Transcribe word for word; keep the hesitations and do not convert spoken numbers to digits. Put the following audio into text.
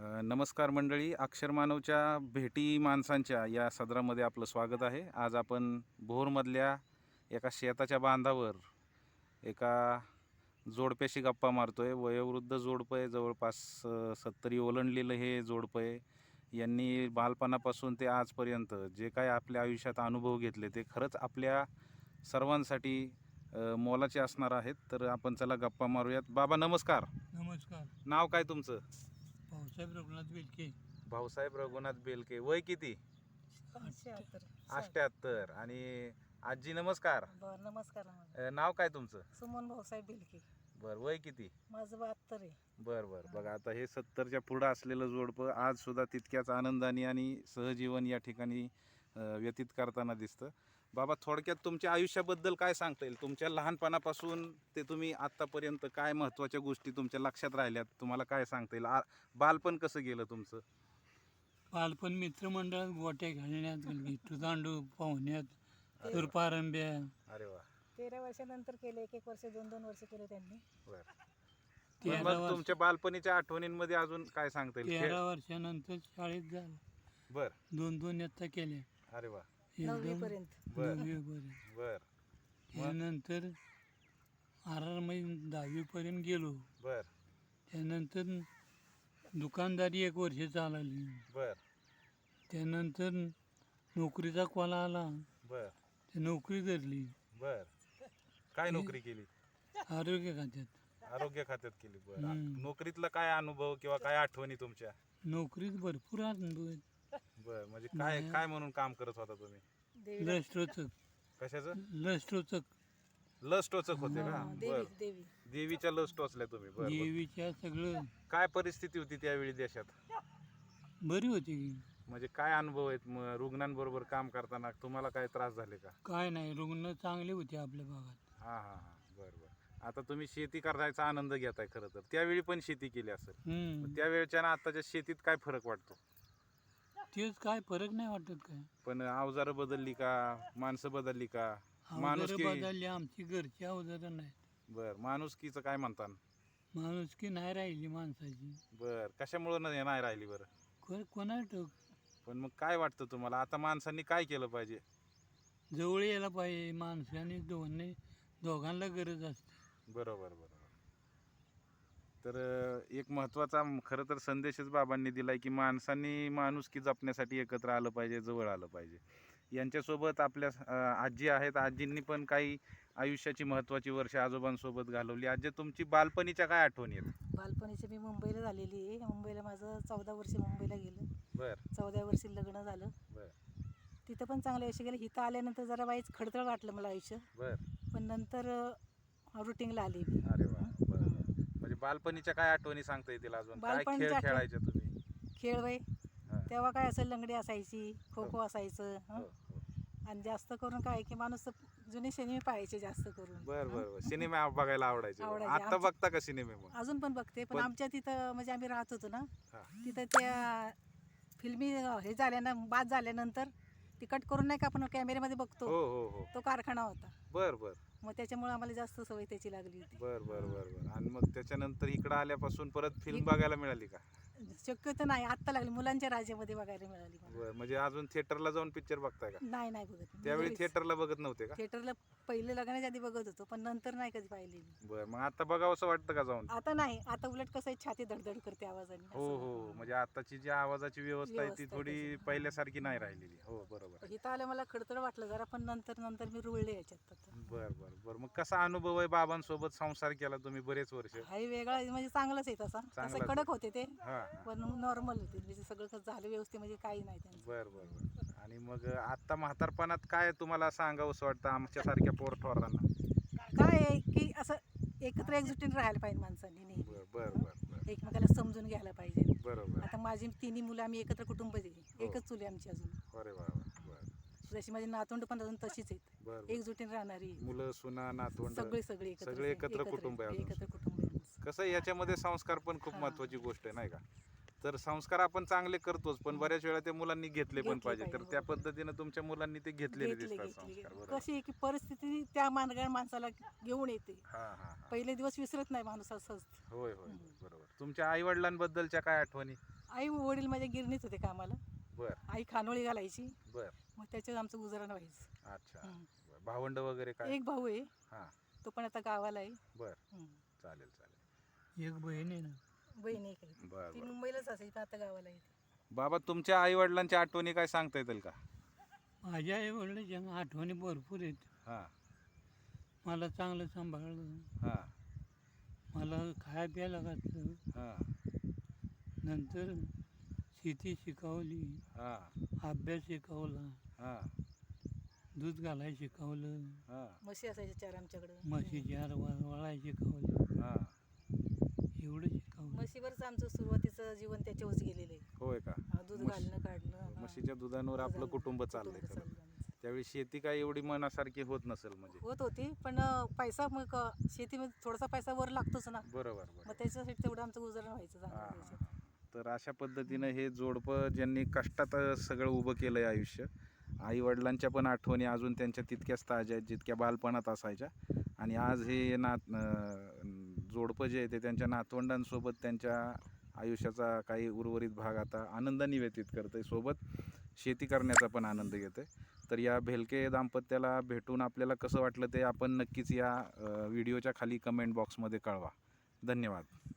अ, नमस्कार मंडळी, अक्षरमानवच्या भेटी माणसांच्या या सदरामध्ये आपलं स्वागत आहे. आज आपण भोरमधल्या एका शेताच्या बांधावर एका जोडप्याशी गप्पा मारतोय. वयोवृद्ध जोडपं आहे, जवळपास अ, सत्तरी ओलांडलेलं हे जोडपं आहे. यांनी बालपणापासून ते आजपर्यंत जे काही आपल्या आयुष्यात अनुभव घेतले ते खरंच आपल्या सर्वांसाठी अ, मोलाचे असणार आहेत. तर आपण चला गप्पा मारूयात. बाबा नमस्कार. नमस्कार. नाव काय तुमचं? भाऊसाहेब रघुनाथ बेलके. भाऊसाहेब रघुनाथ बेलके. वय किती? अष्ट्याहत्तर. आणि आजी नमस्कार. बर नमस्कार. अ, नाव काय तुमचं? सुमन भाऊसाहेब बिलके. बर, वय किती? माझं बहात्तर आहे. बर बर. बघा आता हे सत्तरच्या पुढं असलेलं जोडपं आज सुद्धा तितक्याच आनंदाने आणि सहजीवन या ठिकाणी अ, व्यतीत करताना दिसतं. बाबा थोडक्यात तुमच्या आयुष्याबद्दल काय सांगता येईल? तुमच्या लहानपणापासून ते तुम्ही आत्तापर्यंत काय महत्त्वाच्या गोष्टी तुमच्या लक्षात राहिल्यात, तुम्हाला काय सांगता येईल? आ बालपण कसं गेलं तुमचं? बालपण मित्रमंडळात गोट्या घालण्यात, विठू दांडू पाहुण्यात, सुरपारंब्या. अरे वा. तेरा वर्षानंतर केले, एक एक वर्ष दोन दोन वर्ष केले त्यांनी. बर. तेरा मग वर्ष तुमच्या बालपणीच्या आठवणींमध्ये अजून काय सांगता येईल? तेरा वर्षानंतर शाळेत झालं. बर. दोन दोन इयत्ता केल्या. अरे वा. नववी एकदम पर्यंत. बर. नववीपर्यंत. बर त्यानंतर आर आर मध्ये दहावीपर्यंत गेलो. बर त्यानंतर दुकानदारी एक वर्ष चालवली. बर त्यानंतर नोकरीचा कॉल आला. बर ते नोकरी धरली बर. काय नोकरी केली? आरोग्य खात्यात. आरोग्य खात्यात केली. बर. हम्म. नोकरीतला काय अनुभव किंवा काय आठवणी तुमच्या? नोकरीत भरपूर अनुभव आहेत. बर. म्हणजे काय नाही. काय म्हणून काम करत होता तुम्ही? देवीला- लस टोचक. कशाचं? लस टोचक. लस टोचक होते का? हा, बर. देवी देवी देवीच्या लस टोचल्या तुम्ही? बर बर. देवीच्या सगळं काय परिस्थिती होती त्यावेळी देशात? बरी होती की. म्हणजे काय अनुभव आहेत मग रुग्णांबरोबर काम करताना? तुम्हाला काय त्रास झाले का? काय नाही, रुग्ण चांगले होते आपल्या भागात. हा हा हा. बर बर. आता तुम्ही शेती करायचा आनंद घेताय खरं तर. त्यावेळी पण शेती केली असेल. हम्म. त्यावेळच्या आणि आताच्या शेतीत काय फरक वाटतो? तेच काय फरक नाही वाटत काय. पण अवजारं बदलली का? माणसं बदलली का? अवजारं माणुसकी. बदलली, आमची घरची अवजारं नाहीत. बर. माणुसकीचं काय म्हणता? माणुसकी नाही राहिली माणसाची. बर. कशामुळं नाही नाही राहिली बरं? को कोणा ठाऊक. पण मग काय वाटतं तुम्हाला आता माणसांनी काय केलं पाहिजे? जवळ यायला पाहिजे माणसाने, दोन्ही दोघांना गरज असते. बरोबर बरोबर. तर अं, एक महत्त्वाचा खरं तर संदेशच बाबांनी दिलाय की माणसांनी माणुसकी जपण्यासाठी एकत्र आलं पाहिजे, जवळ आलं पाहिजे. यांच्यासोबत आपल्या अं, आजी आहेत. आजींनी पण काही आयुष्याची महत्त्वाची वर्षे आजोबांसोबत घालवली. आजी तुमची बालपणीच्या काय आठवणी आहेत? बालपणीची मी मुंबईला झालेली आहे. मुंबईला माझं चौदा वर्ष मुंबईला गेलं. बर चौदा वर्षी लग्न झालं. बर तिथं पण चांगलं आयुष्य गेलं. इथं आल्यानंतर जरा वाईच खडतळ वाटलं मला आयुष्य. बर. पण नंतर रुटीनला आली मी. अरे वा. बर बर. म्हणजे बालपणीच्या काय आठवणी सांगता येतील अजून? काय खेळ बालपणीच्या आठवणी- खेळायचे तुम्ही? खेळ वय हा. तेव्हा काय असं लंगडी असायची, खो खो असायचं. हो, हं? हो. आणि जास्त करून काय की माणूस जुने सिनेमे पाहायचे जास्त करून. बर हं? बर बर. सिनेमा बघायला आवडायचे. आवडायचे. आता आमचे- बघता का सिनेमे मग? अजून पण बघते. पण पण- आमच्या तिथं म्हणजे आम्ही राहत होतो ना, हा. तिथं त्या फिल्मी हे झाल्यानं बाद झाल्यानंतर ती कट करून नाही का आपण कॅमेऱ्यामध्ये बघतो, हो हो हो. तो कारखाना होता. बर बर मग त्याच्यामुळे आम्हाला जास्त सवय त्याची लागली होती. बर बर बर बर. आणि मग त्याच्यानंतर इकडं आल्यापासून परत फिल्म इक- बघायला मिळाली का? शक्यतो नाही, आत्ता लागली मुलांच्या राज्यामध्ये बघायला मिळाली मला. बर. म्हणजे अजून थिएटरला जाऊन पिक्चर बघताय का? नाही नाही बघत मी. त्यावेळी घरीच. थिएटरला बघत नव्हते का? थिएटरला पहिले लग्नाच्या आधी बघत होतो, पण नंतर नाही कधी पाहिली मी. बर. मग आता बघावंसं वाटतं का जाऊन? आता नाही, आता उलट कसं आहे, छाती धडधड करते आवाजाने. हो असं. हो. म्हणजे आताची जी आवाजाची व्यवस्था आहे ती व्यवस्था थोडी त्याची. पहिल्यासारखी नाही राहिलेली. हो बरोबर. इथं आलं मला खडतड वाटलं जरा, पण नंतर नंतर मी रुळले याच्यात आता. बर बर बर. मग कसा अनुभव आहे? बाबांसोबत संसार केला तुम्ही बरेच वर्ष. हाही वेगळा म्हणजे चांगलंच आहे तसा. चांगलाच तसं आहे. कडक होते ते, हा हा. पण नॉर्मल होते. म्हणजे सगळं कसं झालं व्यवस्थित, म्हणजे काही नाही त्यांचं. बर बर बर. आणि मग आता म्हातारपणात काय तुम्हाला सांगावंसं वाटतं आमच्यासारख्या पोरठोरांना? काय आहे की असं एकत्र एकजुटीने राहायला पाहिजे माणसांनी नेहमी. बर बर बर बर. एकमेकाला समजून घ्यायला पाहिजे. बरोबर. आता माझी तिन्ही मुलं, आम्ही एकत्र कुटुंब आहे. हो. एकच चुली आमची अजून. अरे वा वा. बर जशी माझी नातवंड पण अजून तशीच आहेत, बर बर. एकजुटीने राहणारी. मुलं सुना नातवंड सगळे सगळे एकत्र सगळे एकत्र कुटुंब आहे अजून. एकत्र कुटुंब आहे आमचं. कसं आहे, याच्यामध्ये संस्कार पण खूप हा. महत्वाची गोष्ट आहे नाही का? तर संस्कार आपण चांगले करतोच, पण बऱ्याच वेळा त्या मुलांनी घेतले पण घेतले पाहिजे. तर पाहिजे, त्या बरोबर. पद्धतीनं तुमच्या मुलांनी ते घेतलेले घेतले दिसतात घेतले संस्कार. बरोबर. कशी आहे की परिस्थिती त्या मानगाळ माणसाला घेऊन येते. हा हा हा. पहिले दिवस विसरत नाही माणूस असं असतं. होय होय होय. बरोबर. तुमच्या आई वडिलांबद्दलच्या काय आठवणी? आई वडील माझ्या गिरणीत होते कामाला. बर आई खानोळी घालायची, बर मग त्याच्यात आमचं गुजरण व्हायचं. अच्छा. हं. बर. भावंड वगैरे काय? एक भाऊ आहे, हां. तो पण आता गावाला आहे. बर हं. चालेल चालेल. एक बहीण आहे ना. बहीण एक आहे, बर ती बर. मुंबईलाच असायची, पण आता गावाला आहे. बाबा तुमच्या आई वडिलांच्या आठवणी काय सांगता येतील का? माझ्या आई वडिलांच्या आठवणी भरपूर आहेत. हां मला चांगलं सांभाळलं, हां मला खाया प्यायला घातलं, हां नंतर शेती शिकवली, हां अभ्यास शिकवला, हां दूध घालायला शिकवलं, हां म्हशी असायच्या चार आमच्याकडं. म्हशीची हार वळायला शिकवलं, हां. एवढं शिकवलं. म्हशीवरच आमचं सुरुवातीचं जीवन त्याच्यावरच गेलेलं आहे. होय का? हा, दूध म्हश- घालणं काढणं, हा. म्हशीच्या दुधांवर आपलं दुधानं कुटुंब चाललंय कुटुंब खरं. चाललं आमचं. त्यावेळी शेती काय एवढी मनासारखी होत नसेल म्हणजे. होत होती, पण अं, पैसा मग अं, शेतीमध्ये थोडासा पैसा वर लागतोच ना, बरोबर मग बरोबर. त्याच्यासाठी तेवढं आमचं गुजरण व्हायचं हां, चांगलं हां, त्याच्यात. हां. तर अशा पद्धतीनं हे जोडपं ज्यांनी कष्टात अ, सगळं उभं केलंय आयुष्य. आई वडिलांच्या पण आठवणी अजून त्यांच्या तितक्याच ताज्या आहेत जितक्या बालपणात असायच्या. आणि आज हे नात अं, जोडपं जे आहे ते त्यांच्या नातवंडांसोबत त्यांच्या आयुष्याचा काही उर्वरित भाग आता आनंदाने व्यतीत करतंय, सोबत शेती करण्याचा पण आनंद घेतोय. तर या भेलके दाम्पत्याला भेटून आपल्याला कसं वाटलं ते आपण नक्कीच या अ, व्हिडिओच्या खाली कमेंट बॉक्समध्ये कळवा. धन्यवाद.